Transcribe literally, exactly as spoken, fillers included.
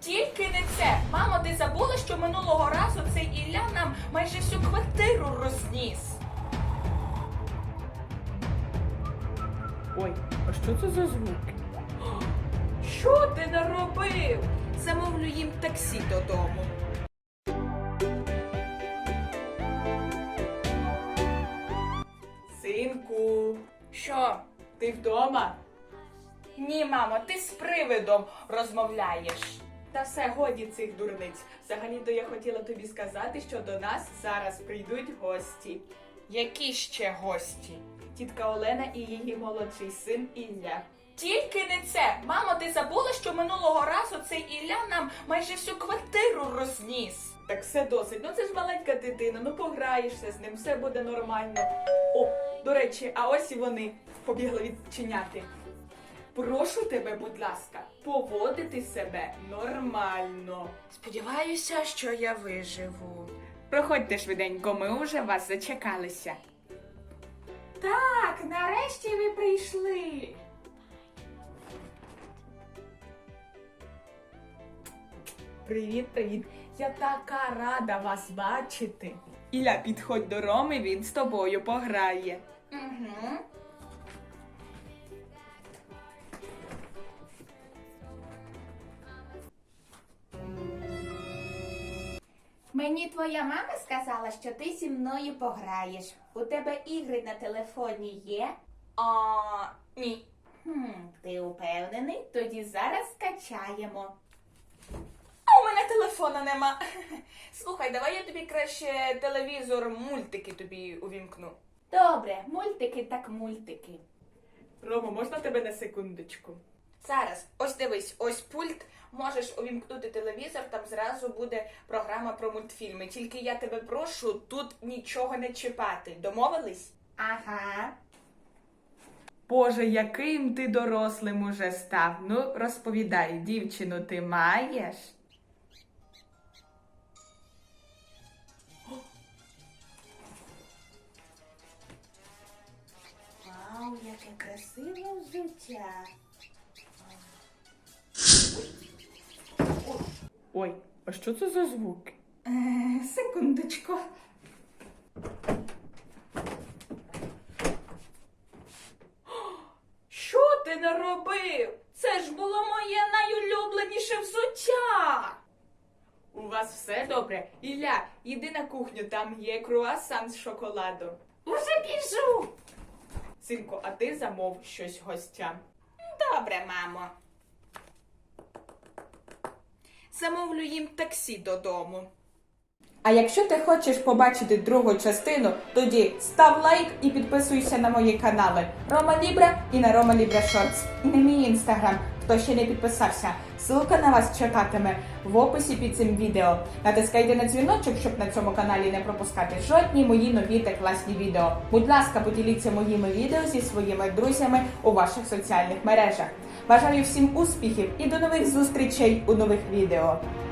Тільки не це. Мамо, ти забула, що минулого разу цей Ілля нам майже всю квартиру розніс. Ой, а що це за звуки? Що ти наробив? Замовлю їм таксі додому. Синку, Що? ти вдома? Ні, мамо, ти з привидом розмовляєш. Та все, годі цих дурниць. Взагалі-то я хотіла тобі сказати, що до нас зараз прийдуть гості. Які ще гості? Тітка Олена і її молодший син Ілля. Тільки не це. Мамо, ти забула, що минулого разу цей Ілля нам майже всю квартиру розніс. Так все досить. Ну це ж маленька дитина, ну пограєшся з ним, все буде нормально. О, до речі, а ось і вони побігли відчиняти. Прошу тебе, будь ласка, поводити себе нормально. Сподіваюся, що я виживу. Проходьте швиденько, ми уже вас зачекалися. Так, нарешті ви прийшли. Привіт, привіт. Я така рада вас бачити. Ілля, підходь до Роми, він з тобою пограє. Угу. Мені твоя мама сказала, що ти зі мною пограєш. У тебе ігри на телефоні є? А, ні. Хм, ти упевнений? Тоді зараз скачаємо. А у мене телефона нема. Слухай, давай я тобі краще телевізор, мультики тобі увімкну. Добре, мультики так мультики. Рома, можна тебе на секундочку? Зараз, ось дивись, ось пульт. Можеш увімкнути телевізор, там зразу буде програма про мультфільми. Тільки я тебе прошу тут нічого не чіпати. Домовились? Ага. Боже, яким ти дорослим уже став. Ну, розповідай, дівчину ти маєш? Вау, яке красиве взуття. Ой, а що це за звуки? Е, секундочку. Що ти наробив? Це ж було моє найулюбленіше взуття. У вас все добре? Ілля, іди на кухню, там є круасан з шоколадом. Уже біжу. Синку, а ти замов щось гостям. Добре, мамо. Замовлю їм таксі додому. А якщо ти хочеш побачити другу частину, тоді став лайк і підписуйся на мої канали Рома Лібра і на Рома Лібра Шортс. І на мій інстаграм, хто ще не підписався. Ссылка на вас чекатиме в описі під цим відео. Натискайте на дзвіночок, щоб на цьому каналі не пропускати жодні мої нові та класні відео. Будь ласка, поділіться моїми відео зі своїми друзями у ваших соціальних мережах. Бажаю всім успіхів і до нових зустрічей у нових відео.